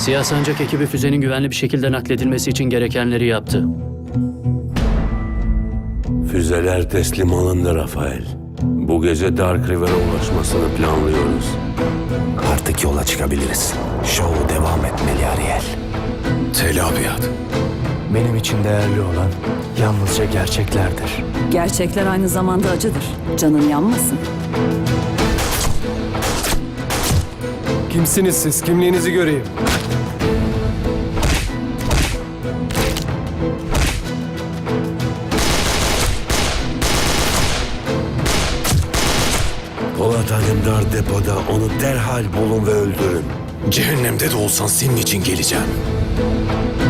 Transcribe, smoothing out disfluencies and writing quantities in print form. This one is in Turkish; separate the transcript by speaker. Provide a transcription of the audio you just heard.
Speaker 1: Siyah Sancak ekibi füzenin güvenli bir şekilde nakledilmesi için gerekenleri yaptı.
Speaker 2: Füzeler teslim alındı Rafael. Bu gece Dark River'a ulaşmasını planlıyoruz.
Speaker 3: Artık yola çıkabiliriz. Şovu devam etmeli Ariel.
Speaker 4: Tel Abyad.
Speaker 3: Benim için değerli olan yalnızca gerçeklerdir.
Speaker 5: Gerçekler aynı zamanda acıdır. Canın yanmasın.
Speaker 4: Kimsiniz siz? Kimliğinizi göreyim.
Speaker 2: Polat Alemdar depoda, onu derhal bulun ve öldürün.
Speaker 4: Cehennemde de olsan senin için geleceğim.